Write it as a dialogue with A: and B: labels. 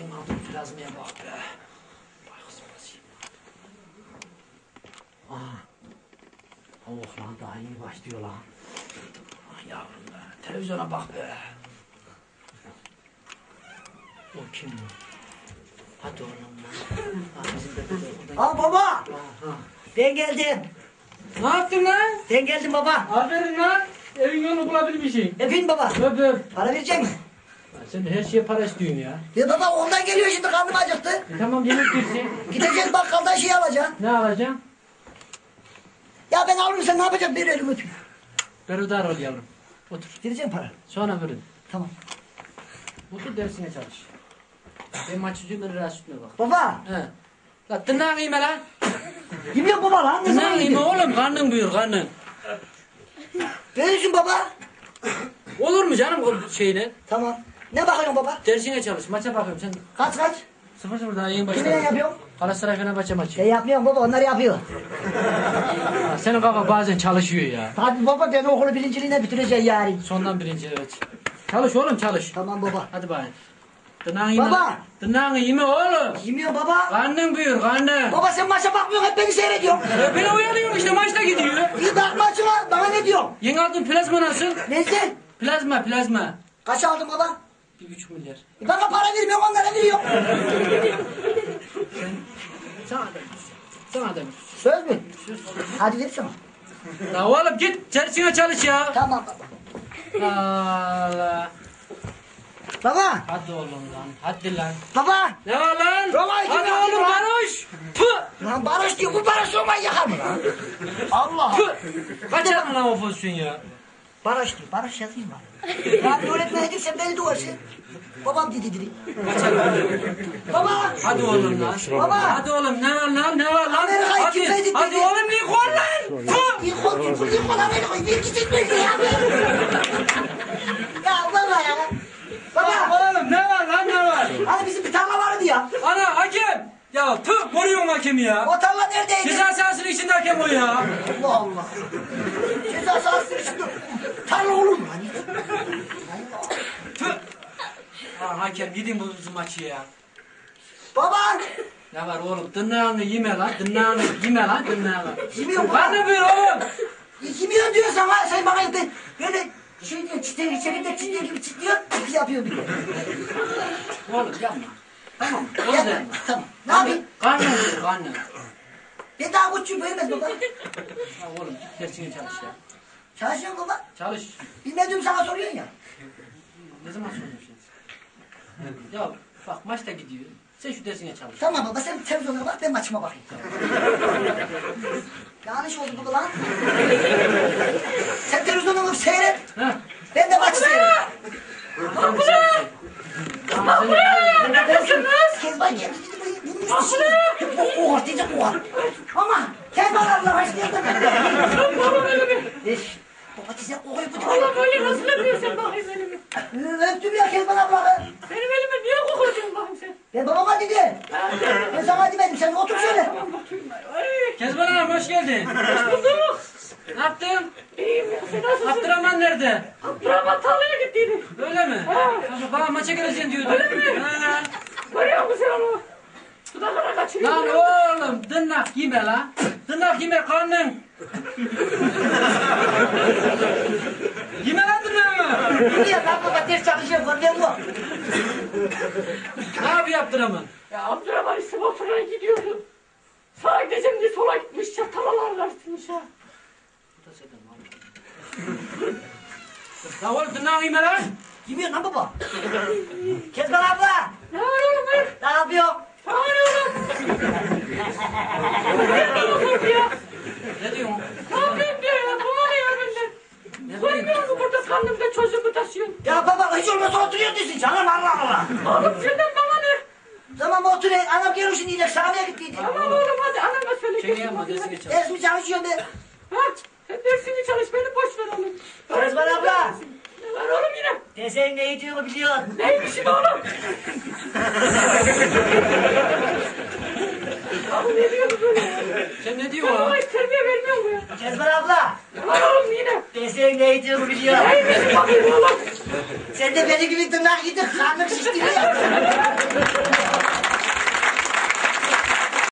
A: Benim aldım plazmaya bak be. Bak kızım nasıl yiyeyim. Oh lan daha yeni başlıyor lan. Ah yavrum be. Televizyona bak be. O kim bu? Hadi oğlum lan.
B: Al baba. Ben geldim.
A: Ne yaptın lan?
B: Ben geldim baba.
A: Aferin lan. Evin yolunu bulabilmişsin.
B: Efendim baba.
A: Öp öp.
B: Para verecek misin?
A: Sen her şeye para istiyorsun ya.
B: Ya baba ondan geliyor şimdi karnım acıktı.
A: Tamam yemek versin.
B: Gideceğiz bakkaldan şey alacaksın.
A: Ne alacaksın?
B: Ya ben alırım sen ne yapacaksın? Bir elimi öpeyim.
A: Berudar ol yavrum. Otur.
B: Vereceğim para.
A: Sonra verin.
B: Tamam.
A: Otur dersine çalış. Ben maç yüzüğümün rahatsızlığına bak.
B: Baba.
A: He. La tırnağını yeme lan.
B: Yemiyor baba lan. Ne zaman
A: Tırnağını yeme
B: yedin?
A: oğlum. Karnın buyur karnın.
B: Verirsin baba.
A: Olur mu canım o şeyle?
B: Tamam. Ne bakıyorsun baba?
A: Dersine çalış. Maça bakıyorum sen.
B: Kaç?
A: 0-0 daha yeni
B: Kiminle
A: başladın.
B: yapıyorsun?
A: Galatasaray Fenerbahçe maçı.
B: Ben yapmıyorum baba onlar yapıyor.
A: Ha, senin kafa bazen çalışıyor ya.
B: Hadi baba ben okulu birinciliğine bitireceğim yarın.
A: Sondan birinci evet. Çalış oğlum çalış.
B: Tamam baba.
A: Hadi bakayım. Tırnağını yeme.
B: Baba.
A: Tırnağını yeme oğlum.
B: Yemiyor baba.
A: Karnın buyur karnın.
B: Baba sen maça bakmıyorsun hep beni seyrediyorsun.
A: Beni uyanıyorum işte maçta gidiyor.
B: İyi bak maçına bana ne diyorsun?
A: Yeni aldığın plazma nasıl?
B: Neyse.
A: Plazma.
B: Kaç aldın baba?
A: 1,5 milyar.
B: Bana para vermiyorsun onlara veriyorsun.
A: Sana da.
B: Söz mü? Hadi versene.
A: La oğlum git dersine çalış ya.
B: Tamam baba.
A: Allah.
B: Baba.
A: Hadi oğlum lan. Hadi lan.
B: Baba.
A: Ne var lan?
B: Roma iki
A: Hadi
B: mi
A: oğlum
B: lan?
A: Barış. Pı.
B: Lan barış diyor bu barış olmayı yakar mı lan? Allah.
A: Pı. Kaçırdın lan o pozisyon ya.
B: Barış diyor. Barış yazayım bari. Ya bir öğretmen edilse beni duvarsın. Babam dedi. Baba.
A: Hadi oğlum lan.
B: Baba.
A: Hadi oğlum ne var lan?
B: Amerika'yı
A: Hadi.
B: kimse dinledi.
A: Hadi oğlum Nikol lan. Pı.
B: Nikol Amerika'yı bir gidin mi ya? Ya baba ya. Baba.
A: Oğlum ne var lan ne var?
B: Hani bizim bir tarla vardı ya.
A: Ana hakem. Ya tüh koruyorsun hakemi ya.
B: O tarla neredeydi?
A: Ceza sahasının içinde hakem o ya.
B: Allah Allah. Ceza sahasının içinde tarla olur mu hani?
A: Tüh. Ha, hakem yedin bu maçı ya.
B: Baba.
A: Ne var oğlum tırnağını yeme lan tırnağını.
B: Yemiyor baba.
A: Karnı buyur oğlum.
B: Yemiyor diyor sana. Sen bana böyle şey diyor çitler içeride çitler gibi çitliyor. Yapıyor bir de.
A: Oğlum yapma. Tamam. Onu
B: Yapma.
A: da.
B: Tamam. Ne yapayım?
A: Karnı buyur karnı.
B: Ben daha küçüğüm böylemez baba.
A: Ha oğlum dersine çalış ya.
B: Çalışıyorum baba.
A: Çalış.
B: Bilmediğim sana soruyorsun ya.
A: Ne zaman soruyorsun? Ya bak maçta gidiyor. Sen şu dersine çalış.
B: Tamam baba sen televizyona bak ben maçıma bakayım. Yanlış oldu bu lan. Sen televizyona bak seyret.
A: Ha?
B: Ben de maçı seyret.
A: Tamam sen. Tamam sen.
B: Kezban geldi. Bulmuştu şimdi. O ortayacak o var. Ama Kezban abla hoş geldin. Baba size kokuyu bu
C: Allah böyle nasıl öpüyorsun bakayım elimi?
B: öptüm ya Kezban abla.
C: Benim elimi niye kokuyorsun bakayım sen?
B: Ben babama dedi. Ben sana demedim sen otur şöyle.
C: Tamam bakayım ben. Ay,
A: Kezban Hanım hoş geldin.
C: hoş bulduk.
A: Ne yaptın?
C: İyiyim ya sen nasılsın?
A: Abdurrahman nerede?
C: Abdurrahman tarlaya gittiydi.
A: Öyle mi? Baba maça geleceksin diyordu.
C: Öyle mi?
A: Ha.
C: Görüyor musun sen onu? Dudaklara kaçırıyor.
A: Lan oğlum tırnak yeme lan. Tırnak yeme karnın. Yeme lan tırnağımı.
B: Niye lan baba ters çalışıyor görmüyor musun?
A: Ne yapıyor Abdurrahman?
C: Ya Abdurrahman İsmail'a gidiyordu. Sağa gideceğim diye sola gitmiş ya. Talalar karşısmış ya.
A: Ya oğlum tırnağı yeme lan.
B: Yemiyor lan baba. Kezban abla.
C: Ne var oğlum be?
B: Ne yapıyor?
C: Ne var oğlum? Nerede oturdu ya?
A: Ne diyorsun?
C: Ne yapayım diyor ya? Bulamıyor benden. Görmüyor musun burada karnımda çocuğumu taşıyorsun?
B: Ya baba hiç olmasa oturuyor diyorsun canım Allah Allah.
C: Oğlum senden bana ne?
B: Tamam otur anam gelmişsin diyecek sahneye gittiydi.
C: Tamam oğlum hadi anama söyle.
A: Şey
C: kesin
A: yapma
C: bakayım,
A: dersine
C: hadi.
A: çalış.
B: Ders mi çalışıyorsun be?
C: Ha? Sen dersini çalış beni boş ver oğlum.
B: Kezban abla.
C: Ne var oğlum yine?
B: Desen ne diyor biliyorsun.
C: Neymişsin oğlum? Abi ne diyorsun böyle ya?
A: Sen ne
C: Sen
A: diyorsun
C: bana
A: lan?
C: hiç terbiye vermiyor mu ya?
B: Kezban abla.
C: Ne var oğlum yine?
B: Desen ne diyor biliyorsun.
C: Neymişsin bakayım oğlum?
B: Sen de benim gibi tırnak yedin karnım şişti ya.